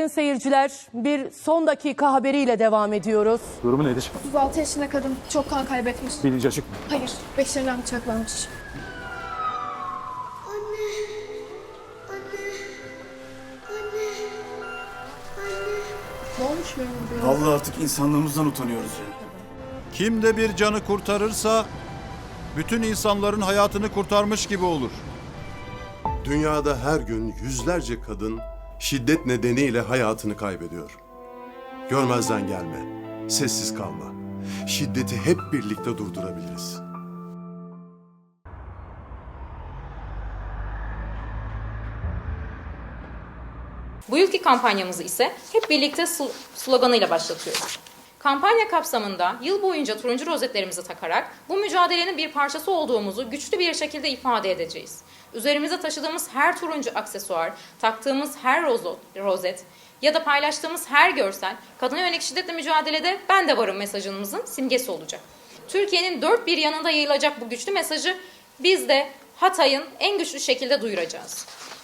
sayın seyirciler, bir son dakika haberiyle devam ediyoruz. Durumu nedir? 36 yaşında kadın çok kan kaybetmiş. Bilinci açık mı? Hayır, beşerinden bıçaklanmış. Ne olmuş benim diyor? Allah artık insanlığımızdan utanıyoruz ya. Kim de bir canı kurtarırsa bütün insanların hayatını kurtarmış gibi olur. Dünyada her gün yüzlerce kadın şiddet nedeniyle hayatını kaybediyor. Görmezden gelme, sessiz kalma. Şiddeti hep birlikte durdurabiliriz. Bu yılki kampanyamızı ise hep birlikte sloganıyla başlatıyoruz. Kampanya kapsamında yıl boyunca turuncu rozetlerimizi takarak bu mücadelenin bir parçası olduğumuzu güçlü bir şekilde ifade edeceğiz. Üzerimize taşıdığımız her turuncu aksesuar, taktığımız her rozet ya da paylaştığımız her görsel, kadına yönelik şiddetle mücadelede ben de varım mesajımızın simgesi olacak. Türkiye'nin dört bir yanında yayılacak bu güçlü mesajı biz de Hatay'ın en güçlü şekilde duyuracağız.